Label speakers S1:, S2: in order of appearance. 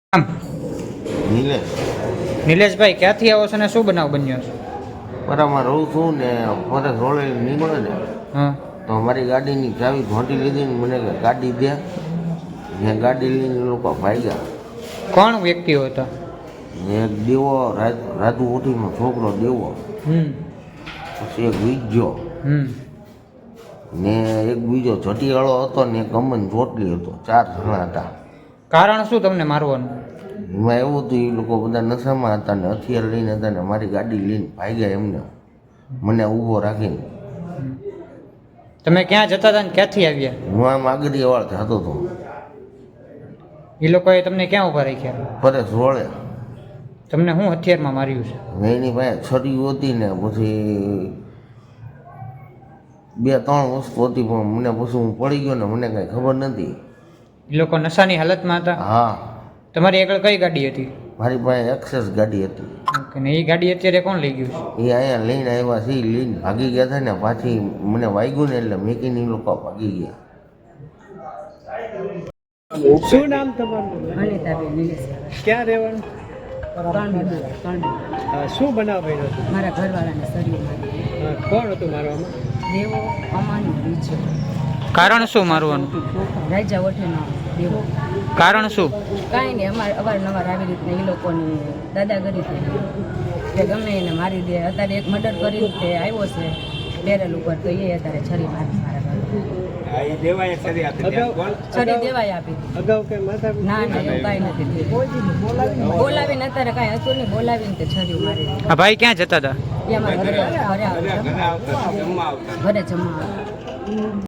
S1: આમ
S2: નિલેશ
S1: નિલેશભાઈ ક્યાંથી આવો છો ને શું બનાવ બન્યો છે?
S2: પરામાં રહું છું ને ફરજ રોડે નીકળે ને
S1: હા
S2: તો મારી ગાડીની ચાવી ઘોંટી લીધી ને મને કે ગાડી દે. મેં ગાડી લઈને એ લોકો ભાગ્યા.
S1: કોણ વ્યક્તિઓ હતા?
S2: એક દેવો રાજુ ઉઠીનો છોકરો દેવો, પછી એક વીજો ને એક બીજો જટીવાળો હતો ને એક અમન ચોટલી હતો. 4 જણા હતા.
S1: કારણ શું તમને મારવાનું?
S2: એમાં એવું હતું, એ લોકો બધા નશામાં હતા ને હથિયાર લઈને હતા ને મારી ગાડી લઈને ભાગ્યા એમને, મને ઊભો રાખીને.
S1: તમે ક્યાં જતા હતા ને ક્યાંથી આવ્યા?
S2: હું આમ આગરિયાવાળ જતો હતો.
S1: એ લોકોએ તમને ક્યાં ઊભા રાખ્યા?
S2: પરેશ રોડે.
S1: તમને શું હથિયારમાં માર્યું છે?
S2: એની પાસે છરીઓ હતી ને પછી 2-3 વસ્તુ હતી, પણ મને પછી હું પડી ગયો ને મને કાંઈ ખબર નથી.
S1: એ લોકો નશાની હાલતમાં હતા?
S2: હા,
S1: તમારી આગળ કઈ ગાડી હતી?
S2: મારી પાસે એક્સેસ ગાડી હતી.
S1: ઓકે, ને એ ગાડી અત્યારે કોણ લઈ ગયું છે?
S2: એ અહીંયા લઈને આવ્યા છે, લઈને ભાગી ગયા હતા ને પાછી મને વાગ્યું ને એટલે મેકીને એ લોકો ભાગી ગયા.
S3: શું નામ તમારું?
S4: અનિતાબેન નિલેશભાઈ.
S3: ક્યાં રહેવાનું?
S4: કાંડી.
S3: શું બનાવ બન્યો હતો?
S4: મારા ઘરવાળાને શરીર મારી
S3: કોણ હતું મારવામાં?
S4: દેવો અમાનો બીજો
S1: કારણ શું મારવાનું?
S4: રાજા વઠેનો દેવો.
S1: કારણ શું?
S4: કાંઈ નહીં, અવારનવાર આવી રીતના એ લોકોની દાદાગીરી થઈ કે ગમે એને મારી દે. અત્યારે એક મર્ડર કરીને તે આવ્યો છે બેરલ ઉપર, તો એ અત્યારે છરી મારી મારા ઘરે. છરી દેવાય આપી.
S3: અગાઉ કઈ માથા
S4: ના ના, એવું કાંઈ નથી થયું. બોલાવીને અત્યારે કાંઈ હતું નહીં, બોલાવીને તે છરી મારી દીધી.
S1: આ ભાઈ ક્યાં જતા હતા?
S4: એ અમારા ઘરે જમવા આવ્યા.